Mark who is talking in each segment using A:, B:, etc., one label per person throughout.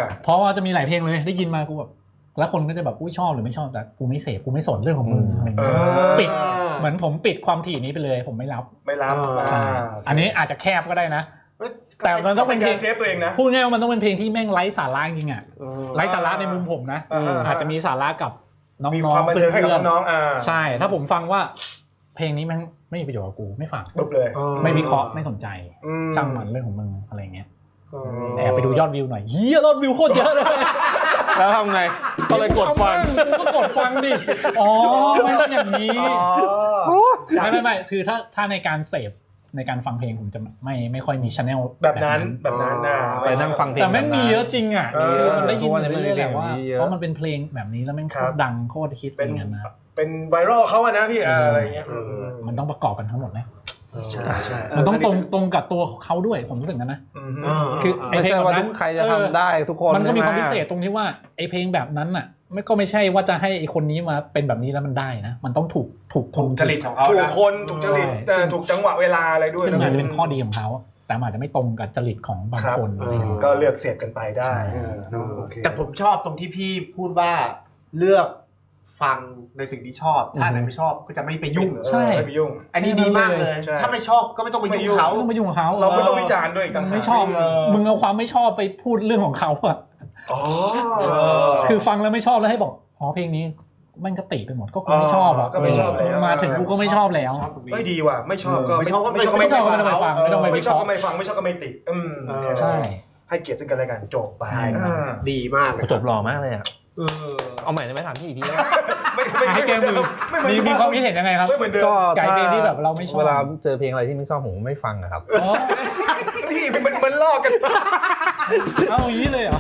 A: เพราะว่าจะมีหลายเพลงเลยได้ยินมากูแบบแล้วคนก็จะแบบอุ้ยชอบหรือไม่ชอบแต่กูไม่เสพกูไม่สนเรื่องของมึงอะไรเงี้ยปิดเหมือนผมปิดความถี่นี้ไปเลยผมไม่รับใช่อันนี้อาจจะแคบก็ได้นะแต่มันต้องเป็นเพลง
B: เซฟตัวเองนะ
A: พูดง่ายว่ามันต้องเป็นเพลงที่แม่งไร้สาระจริงอ่ะไร้สาระในมุมผมนะอาจจะมีสาระกับน้องๆเพื่อนๆใช่ถ้าผมฟังว่าเพลงนี้แม่งไม่มีประโยชน์กับกูไม่ฟัง
B: ปุ๊บเลย
A: ไม่วิเคราะห์ไม่สนใจช่างมันเรื่องของมึงอะไรเงี้ยแอบไปดูยอดวิวหน่อยเฮียยอดวิวโคตรเยอะเลย
C: แล้วทำไงก็เลยกดฟัง
A: กูก็กดฟังดิอ๋อไม่ต้องอย่างนี้ไม่คือถ้าในการเสพในการฟังเพลงผมจะไม่ค่อยมีชาแนล
B: แบบนั้นนะ
C: ไปนั่งฟังเพลง
A: แต่แม่งมีเยอะจริงอ่ะคือมันได้ยินเรื่อยๆแหละว่าเพราะมันเป็นเพลงแบบนี้แล้วแม่งโคตรดังโคตรฮิตอย่างนั้นนะ
B: เป็นไวรัลเขาอะนะพี่อะไรเงี้ย
A: มันต้องประกอบกันทั้งหมดนะมันต้องตรงกับตัวเขาด้วยผมรู้สึกกันนะ
C: คือไอ้เพลงแบบนั้นใครจะทำได้ทุกคน
A: มันก็มีความพิเศษตรงที่ว่าไอ้เพลงแบบนั้นน่ะไม่ใช่ว่าจะให้ไอ้คนนี้มาเป็นแบบนี้แล้วมันได้นะมันต้องถูกคน
B: จริตของเขาถูกคนถูกจริตถูกจังหวะเวลาอะไรด้วย
A: ซึ่งอาจจะเป็นข้อดีของเขาแต่อาจจะไม่ตรงกับจริตของบางคน
B: ก็เลือกเสพกันไปได้
D: แต่ผมชอบตรงที่พี่พูดว่าเลือกฟังในสิ่งที่ชอบถ้าไหนไม่ชอบก็จะไม่ไปยุ่ง
A: ใช่
B: ไม่ไปยุ่ง
D: อันนี้ดีมากเลยถ้าไม่ชอบก็ไม่ต้องไปยุ่งเขา
A: ไม่ต้องไปยุ่งเขา
B: เราไม่ต้องวิจารณ์ด้วยต่างหาก
A: ไม่ชอบมึงเอาความไม่ชอบไปพูดเรื่องของเขาอะคือฟังแล้วไม่ชอบแล้วให้บอกอ๋อเพลงนี้มันก็ติไปหมดก็กูไม่ชอบอ่ะ
B: ก็ไม่ชอบแล้ว
A: มาถึงกูก็ไม่ชอบแล้ว
B: ไม่ดีว่ะไม่ชอบก็
D: ไม่ชอบก็
A: ไม่ฟังไม่ต้องไป
B: ไม่ชอบก็ไม่ฟังไม่ชอบก็ไม่ติ
A: ใช่
B: ให้เกียรติซึ่งกันและกันจบไป
D: ดีมาก
C: จบหล่อมากเลยอ่ะเอาใหม่ได้ไหมถามพี่อีกทีนะ
A: ให้แกมือมีความคิดเห็นยังไงครับ
C: ก็
A: ไก่เพลงที่แบบเราไม่ชอบ
C: เวลาเจอเพลงอะไรที่ไม่ชอบผมไม่ฟังครับ
B: พี่มันลอกกัน
A: เอาอย่างนี้เลยเหรอ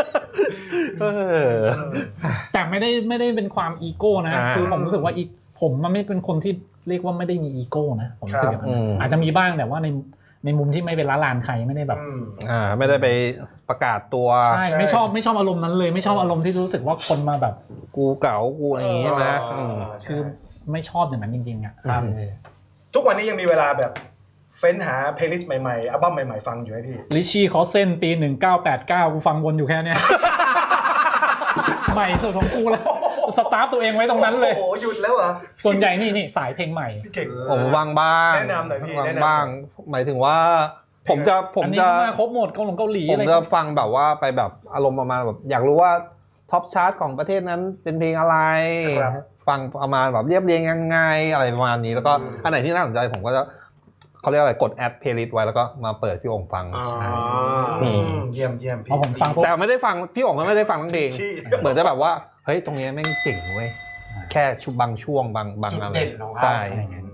A: แต่ไม่ได้เป็นความอีโก้นะคือผมรู้สึกว่าผมมันไม่เป็นคนที่เรียกว่าไม่ได้มีอีโก้นะผมรู้สึกแบบนั้นอาจจะมีบ้างแต่ว่าในมุมที่ไม่เป็นละลานใครไม่ได้แบบ
C: ไม่ได้ไปประกาศตัว
A: ใช่ไม่ชอบอารมณ์นั้นเลยไม่ชอบอารมณ์ที่รู้สึกว่าคนมาแบบ
C: กูเก๋ากูอะไรอย่างงี้ใช่ไหม
A: คือไม่ชอบอย่างนั้นจริงๆอ่ะ
B: ทุกวันนี้ยังมีเวลาแบบเฟ้นหาเพลย์ลิสต์ใหม่ๆอัลบั้มใหม่ๆฟังอยู่ไหมพี่
A: ลิชี่คอเซนปี1989กูฟังวนอยู่แค่เนี้ยใหม่สุดของกูแล้วสตาร์ทตัวเองไว้ตรงนั้นเลย
B: โอ้โหหยุดแล้วเหรอ
A: ส่วนใหญ่นี่สายเพลงใหม่
B: พี่เก่ง
C: ผมวางบ้าง
B: แนะนำหน่อยพี่
C: วางบ้างหมายถึงว่าผมจะ
A: ครบหมดเกาหลี
C: ผมจะฟังแบบว่าไปแบบอารมณ์ประมาณแบบอยากรู้ว่าท็อปชาร์ตของประเทศนั้นเป็นเพลงอะไรฟังประมาณแบบเรียบเรียงยังไงอะไรประมาณนี้แล้วก็อันไหนที่น่าสนใจผมก็จะเขาเรียกอะไรกดแอดเพลย์ลิสต์ไว้แล้วก็มาเปิดพี่องค์ฟัง
B: เยี่ยมพี่
A: ผมฟัง
C: แต่ไม่ได้ฟังพี่องค์ก็ไม่ได้ฟังทั้งเพลงเหมือนจะแบบว่าเฮ้ยตรงนี้แม่งเจ๋งเว้ยแค่บางช่วงบางอะไรใช่